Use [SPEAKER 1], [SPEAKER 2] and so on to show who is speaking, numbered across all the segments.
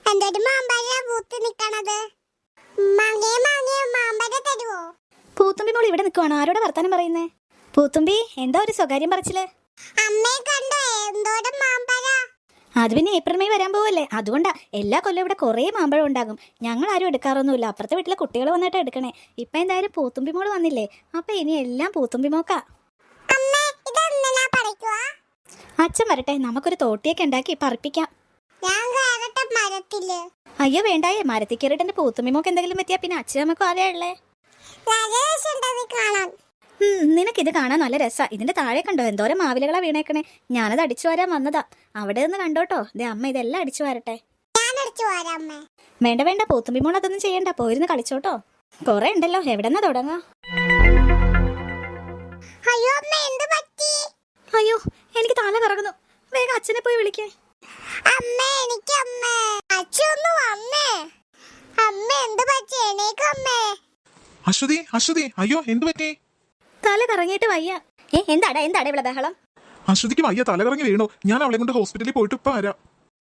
[SPEAKER 1] എന്തൊരു മാമ്പഴ പൂത്ത് നിക്കണത്. മാമ്പഴ തരുവോ?
[SPEAKER 2] പൂത്തുമ്പി മോൾ ഇവിടെ നിൽക്കുവാണോ? ആരോടെ വർത്താനം പറയുന്നേ? പൂത്തുമ്പി, എന്താ ഒരു സ്വകാര്യം പറച്ചില്?
[SPEAKER 1] അമ്മയെ കണ്ടോ? എന്തോരം മാമ്പഴ.
[SPEAKER 2] അത് പിന്നെ ഏപ്രിൽ മെയ് വരാൻ പോവല്ലേ, അതുകൊണ്ടാ. എല്ലാ കൊല്ലം ഇവിടെ കുറേ മാമ്പഴം ഉണ്ടാകും. ഞങ്ങൾ ആരും എടുക്കാറൊന്നുമില്ല, അപ്പുറത്തെ വീട്ടിലെ കുട്ടികൾ വന്നിട്ട് എടുക്കണേ. ഇപ്പൊ എന്തായാലും പൂത്തുമ്പി മോള് വന്നില്ലേ, അപ്പൊ ഇനി എല്ലാം പൂത്തുമ്പി മോക്കാ. അച്ഛൻ വരട്ടെ, നമുക്കൊരു തോട്ടിയൊക്കെ ഉണ്ടാക്കി പറപ്പിക്കാം. അയ്യോ വേണ്ടായേ, മരത്തിൽ കയറിട്ട് എന്റെ പൂത്തുമ്പി മോക്ക് എന്തെങ്കിലും പറ്റിയാ പിന്നെ അച്ഛൻ നമുക്ക് ആരെയാ ഉള്ളേ? നിനക്കിത് കാണാൻ നല്ല രസാ. ഇതിന്റെ താഴെ കണ്ടോ എന്തോരം മാവിലകളാ വീണേക്കണേ. ഞാനത് അടിച്ചു വരാൻ വന്നതാ. അവിടെ നിന്ന് കണ്ടോട്ടോ. ദേ അമ്മ ഇതെല്ലാം അടിച്ചു വരട്ടെ. വേണ്ട വേണ്ട, പൂത്തുമ്പി മോൾ അതൊന്നും ചെയ്യണ്ട, പോയിരുന്ന് കളിച്ചോട്ടോ. കൊറേ ഉണ്ടല്ലോ, എവിടെന്നാ തുടങ്ങാ? അയ്യോ എനിക്ക് തല കറങ്ങുന്നു, വേഗം അച്ഛനെ പോയി വിളിക്കേ.
[SPEAKER 3] അശ്വതി, അശ്വതി, അയ്യോ എന്ത് പറ്റി?
[SPEAKER 2] തല കറങ്ങിയിട്ട് വയ്യ. എന്താടാ ഇവിടെ ബഹളം?
[SPEAKER 3] അശ്വതിക്ക് വയ്യ, തല കറങ്ങി വീണു. ഞാൻ അവളെ കൊണ്ട് ഹോസ്പിറ്റലിൽ പോയിട്ട് ഇപ്പൊ വരാം.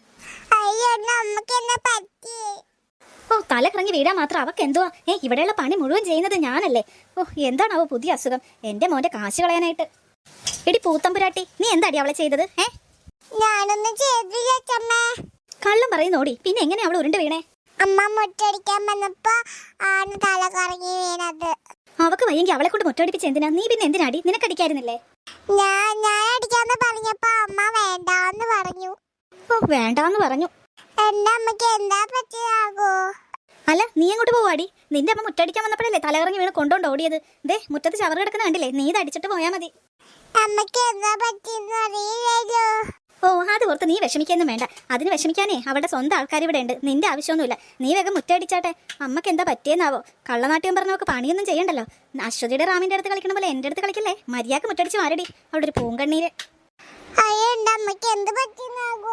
[SPEAKER 2] ഓ, തല കറങ്ങി വീടാൻ മാത്രം അവക്ക് എന്തുവാ? ഇവിടെയുള്ള പണി മുഴുവൻ ചെയ്യുന്നത് ഞാനല്ലേ. ഓ, എന്താണാവോ പുതിയ അസുഖം? എന്റെ മോന്റെ കാശ് കളയാനായിട്ട്. എടി പൂത്തമ്പുരാട്ടി, നീ എന്താടി അവളെ ചെയ്തത്?
[SPEAKER 1] ഞാനൊന്നും ചെയ്തില്ല.
[SPEAKER 2] കള്ളം പറയുന്നോടി, പിന്നെ എങ്ങനെ അവൾ ഉരുണ്ട് വീണേ?
[SPEAKER 1] അമ്മ മുറ്റടിക്കാൻ വന്നപ്പോ ആണ് തല കറങ്ങി വീണത്.
[SPEAKER 2] അവക്ക് വയ്യെങ്കിൽ അവളെ കൊണ്ട് മുറ്റടിപ്പിച്ച് എന്തിനാ? നീ പിന്നെ എന്തിനാടി? നിനക്കടിക്കായിരുന്നില്ലേ?
[SPEAKER 1] ഞാൻ അടിക്കാന്ന് പറഞ്ഞപ്പോ അമ്മ വേണ്ടാന്ന് പറഞ്ഞു.
[SPEAKER 2] ഓ, വേണ്ടാന്ന് പറഞ്ഞു.
[SPEAKER 1] എന്റെ അമ്മക്ക് എന്താ പറ്റിയാകോ?
[SPEAKER 2] അല്ല, നീ അങ്ങോട്ട് പോവാടി. നിന്റെ അമ്മ മുറ്റടിക്കാൻ വന്നപ്പോഴല്ലേ തലകറങ്ങി വീണ് കൊണ്ടോണ്ട് ഓടിയത്. ദേ മുറ്റത്ത് ചവറ് കിടക്കുന്ന കണ്ടില്ലേ? നീ ഇത് അടിച്ചിട്ട് പോയാ മതി.
[SPEAKER 1] അമ്മക്ക് എന്താ പറ്റിയെന്ന് അറിയില്ലല്ലോ.
[SPEAKER 2] ഓ, അത് ഓർത്ത് നീ വിഷമിക്കൊന്നും വേണ്ട. അതിന് വിഷമിക്കാനേ അവളുടെ സ്വന്തം ആൾക്കാർ ഇവിടെ ഉണ്ട്. നിന്റെ ആവശ്യമൊന്നുമില്ല. നീ വേഗം മുറ്റടിച്ചാട്ടെ. അമ്മക്ക് എന്താ പറ്റിയെന്നാവോ? കള്ളനാട്യം പറഞ്ഞവർക്ക് പണിയൊന്നും ചെയ്യണ്ടല്ലോ. അശ്വതിയുടെ റാമിന്റെ അടുത്ത് കളിക്കണ പോലെ എന്റെ അടുത്ത് കളിക്കല്ലേ. മര്യാദക്ക് മുറ്റടിച്ച് മാരടി, അവിടെ ഒരു പൂങ്കണ്ണീര്.
[SPEAKER 1] അമ്മക്ക് എന്ത് പറ്റിയെന്നാകോ?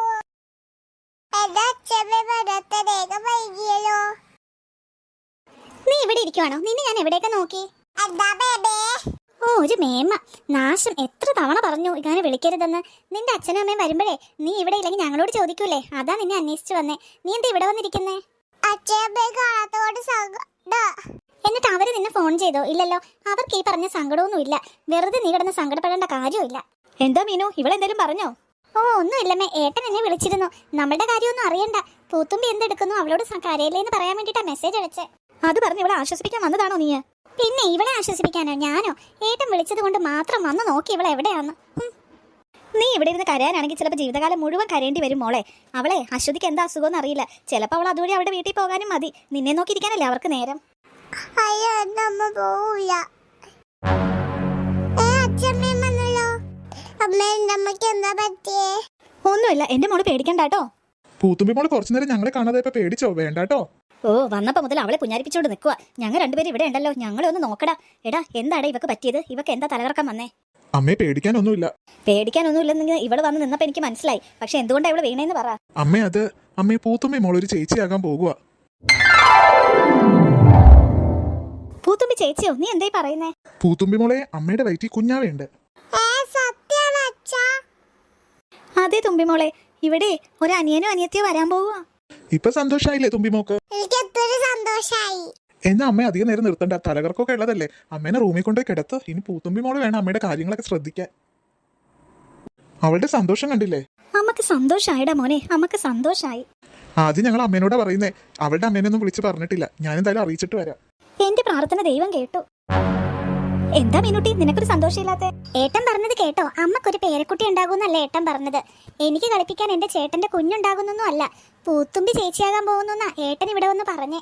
[SPEAKER 2] നീ ഇവിടെ ഇരിക്കുവാണോ? നിന്നെ ഞാൻ എവിടെയൊക്കെ നോക്കി. ഓ, ഒരു മേമ നാശം. എത്ര തവണ പറഞ്ഞു ഇങ്ങനെ വിളിക്കരുതെന്ന്. നിന്റെ അച്ഛനും അമ്മയും വരുമ്പോഴേ നീ ഇവിടെ ഇല്ലെങ്കിൽ ഞങ്ങളോട് ചോദിക്കൂലേ? അതാ നിന്നെ അന്വേഷിച്ചു വന്നേ. നീ എന്താ ഇവിടെ വന്നിരിക്കുന്നേ? എന്നിട്ട് അവര് നിന്നെ ഫോൺ ചെയ്തോ? ഇല്ലല്ലോ. അവർക്ക് ഈ പറഞ്ഞ സങ്കടമൊന്നും ഇല്ല. വെറുതെ നീ കിടന്ന് സങ്കടപ്പെടേണ്ട കാര്യമില്ല. എന്താ മീനു, ഇവളെന്തെങ്കിലും പറഞ്ഞോ? ഓ, ഒന്നുമില്ലമ്മേ. ഏട്ടൻ എന്നെ വിളിച്ചിരുന്നു. നമ്മളുടെ കാര്യമൊന്നും അറിയണ്ട. പൂത്തുമ്പി എന്തെടുക്കുന്നു, അവളോട് കരയില്ലേന്ന് പറയാൻ വേണ്ടിട്ടാ മെസ്സേജ് അയച്ചേ. അത് പറഞ്ഞ് ഇവളെ ആശ്വസിപ്പിക്കാൻ വന്നതാണോ നീ? പിന്നെ ഇവളെ ആശ്വസിപ്പിക്കാനോ ഞാനോ? ഏട്ടൻ വിളിച്ചത് കൊണ്ട് മാത്രം വന്ന് നോക്കി ഇവളെ എവിടെയാന്ന്. നീ ഇവിടെ ഇരുന്ന് കരയാനാണെങ്കിൽ ചിലപ്പോൾ ജീവിതകാലം മുഴുവൻ കരയേണ്ടി വരും മോളെ. അവളെ അശ്വതിക്ക് എന്താ അസുഖമെന്ന് അറിയില്ല. ചിലപ്പോൾ അവൾ അതുവഴി അവളുടെ വീട്ടിൽ പോകാനും മതി. നിന്നെ നോക്കിയിരിക്കാനല്ലേ അവർക്ക് നേരം. ഒന്നുമില്ല, എന്റെ മോള് പേടിക്കണ്ടാട്ടോ.
[SPEAKER 3] പൂത്തുമ്പി മോള് കുറച്ചു നേരം ഞങ്ങളെ കാണാതെ ഇപ്പൊ പേടിച്ചോ? വേണ്ടാട്ടോ.
[SPEAKER 2] ഓ, വന്നപ്പോ മുതൽ അവളെ പുഞ്ഞാരിപ്പിച്ചോണ്ട് നിൽക്കുക. ഞങ്ങൾ രണ്ടുപേരും ഇവിടെ ഉണ്ടല്ലോ, ഞങ്ങളെ ഒന്ന് നോക്കടാ. എടാ, എന്താടാ ഇവക്ക് പറ്റിയത്? ഇവക്ക് എന്താ തലകറക്കം വന്നേ?
[SPEAKER 3] അമ്മയെ പേടിക്കാനൊന്നുമില്ല.
[SPEAKER 2] പേടിക്കാനൊന്നുമില്ലെന്ന് ഇവള് വന്ന് നിന്നപ്പോ എനിക്ക് മനസ്സിലായി. പക്ഷെ എന്തുകൊണ്ടാ ഇവള് വീണേന്ന് പറ.
[SPEAKER 3] അമ്മയെ പൂത്തുമ്പി മോൾ ഒരു ചേച്ചിയാകാൻ പോകുക.
[SPEAKER 2] പൂത്തുമ്പി ചേച്ചിയോ? നീ എന്തായി പറയുന്നേ?
[SPEAKER 3] പൂത്തുമ്പി മോളെ, അമ്മയുടെ വയറ്റിൽ കുഞ്ഞാവേണ്ട്.
[SPEAKER 2] അതെ തുമ്പിമോളെ, ഇവിടെ ഒരു അനിയനോ അനിയത്തിയോ വരാൻ പോവുക.
[SPEAKER 3] ഇപ്പൊ സന്തോഷായില്ലേ തുമ്പിമോക്ക്? എന്നാ അമ്മ അധികം നേരം നിർത്തണ്ട. തലകർക്കൊക്കെ ഉള്ളതല്ലേ. അമ്മേനെ റൂമിൽ കൊണ്ടുപോയി കിടത്ത്. ഇനി പൂത്തുമ്പി മോള് വേണം അമ്മയുടെ കാര്യങ്ങളൊക്കെ ശ്രദ്ധിക്കാൻ. അവളുടെ സന്തോഷം കണ്ടില്ലേ?
[SPEAKER 2] അമ്മക്ക് സന്തോഷായിടാ മോനെ, അമ്മക്ക് സന്തോഷായി.
[SPEAKER 3] ആദ്യം ഞങ്ങൾ അമ്മേനോടാ പറയുന്നേ. അവളുടെ അമ്മേനൊന്നും വിളിച്ച് പറഞ്ഞിട്ടില്ല. ഞാൻ എന്തായാലും അറിയിച്ചിട്ട് വരാം.
[SPEAKER 2] എന്റെ പ്രാർത്ഥന ദൈവം കേട്ടു. എന്താ മീനുട്ടി, നിനക്കൊരു സന്തോഷമില്ലാത്ത?
[SPEAKER 1] ഏട്ടൻ പറഞ്ഞത് കേട്ടോ? അമ്മക്കൊരു പേരക്കുട്ടി ഉണ്ടാകുന്നല്ലേ ഏട്ടൻ പറഞ്ഞത്. എനിക്ക് കളിപ്പിക്കാൻ എന്റെ ചേട്ടന്റെ കുഞ്ഞുണ്ടാകുന്നൊന്നും അല്ല, പൂത്തുമ്പി ചേച്ചിയാകാൻ പോകുന്ന ഏട്ടൻ ഇവിടെ വന്ന് പറഞ്ഞേ.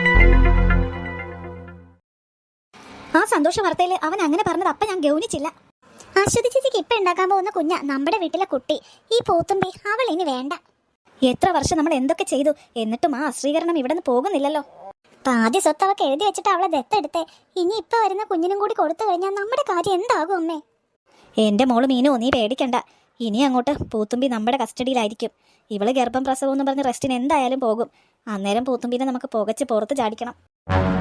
[SPEAKER 2] ആ സന്തോഷ വാർത്തയില് അവൻ അങ്ങനെ പറഞ്ഞത് അപ്പ ഞാൻ ഗൗനിച്ചില്ല.
[SPEAKER 1] അശ്വതി ചേച്ചിക്ക് ഇപ്പൊ ഉണ്ടാക്കാൻ പോകുന്ന കുഞ്ഞ നമ്മുടെ വീട്ടിലെ കുട്ടി. ഈ പൂത്തുമ്പി അവൾ ഇനി വേണ്ട.
[SPEAKER 2] എത്ര വർഷം നമ്മൾ എന്തൊക്കെ ചെയ്തു, എന്നിട്ടും ആ അശ്രീകരണം ഇവിടെ നിന്ന് പോകുന്നില്ലല്ലോ.
[SPEAKER 1] പാതി സ്വത്ത് അവക്ക് എഴുതി വെച്ചിട്ട് അവളെ ദത്തെടുത്തേ. ഇനി ഇപ്പൊ വരുന്ന കുഞ്ഞിനും കൂടി കൊടുത്തു കഴിഞ്ഞാൽ നമ്മുടെ കാര്യം എന്താകും അമ്മേ?
[SPEAKER 2] എന്റെ മോള് മീനു, നീ പേടിക്കണ്ട. ഇനി അങ്ങോട്ട് പൂത്തുമ്പി നമ്മുടെ കസ്റ്റഡിയിലായിരിക്കും. ഇവള് ഗർഭം പ്രസവം എന്ന് പറഞ്ഞ് റെസ്റ്റിന് എന്തായാലും പോകും. അന്നേരം പൂത്തുമ്പിനെ നമുക്ക് പുകച്ച് പുറത്ത് ചാടിക്കണം.